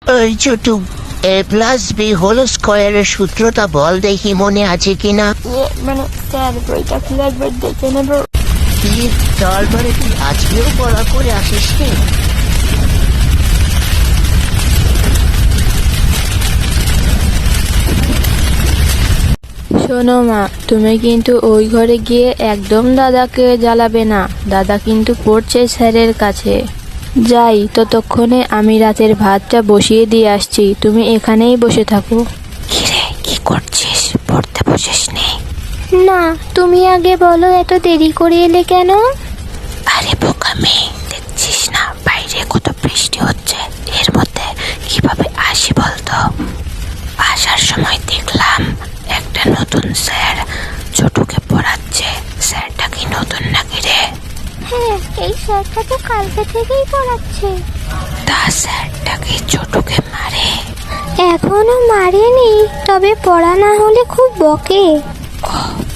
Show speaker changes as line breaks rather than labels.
ওই ছোটু, A+B² সূত্রটা বল দেখি মনে আছে কিনা।
মানে স্যার বইটা খুলে একবার দেখে নেব।
কি তারপরে তুই আজকেও পড়া করে আসিস নি?
শোনো মা, তুমি কিন্তু ওই ঘরে গিয়ে একদম দাদাকে জ্বালাবে না। দাদা কিন্তু পড়ছে স্যারের কাছে। যাই, ততক্ষণে আমি রাতের ভাতটা বসিয়ে দিয়ে আসছি, তুমি এখানেই বসে থাকো।
কিরে, কি করছিস? পড়তে বসিস নি?
না, তুমি আগে বলো, এত দেরি করে এলে কেন?
আরে বোকামি, দেখছিস না বাইরে কত বৃষ্টি হচ্ছে, এর মধ্যে কিভাবে আসি বলতো? আসার সময় দেখলাম একটা নতুন স্যার ছোটুকে পড়াচ্ছে। স্যারটা কি নতুন নাকি রে?
হ্যাঁ, এই স্যারটা তো কালকে থেকেই পড়াচ্ছে।
তা স্যারটা কি ছোটুকে মারে?
এখনো মারেনি, তবে পড়া না হলে খুব বকে।
ও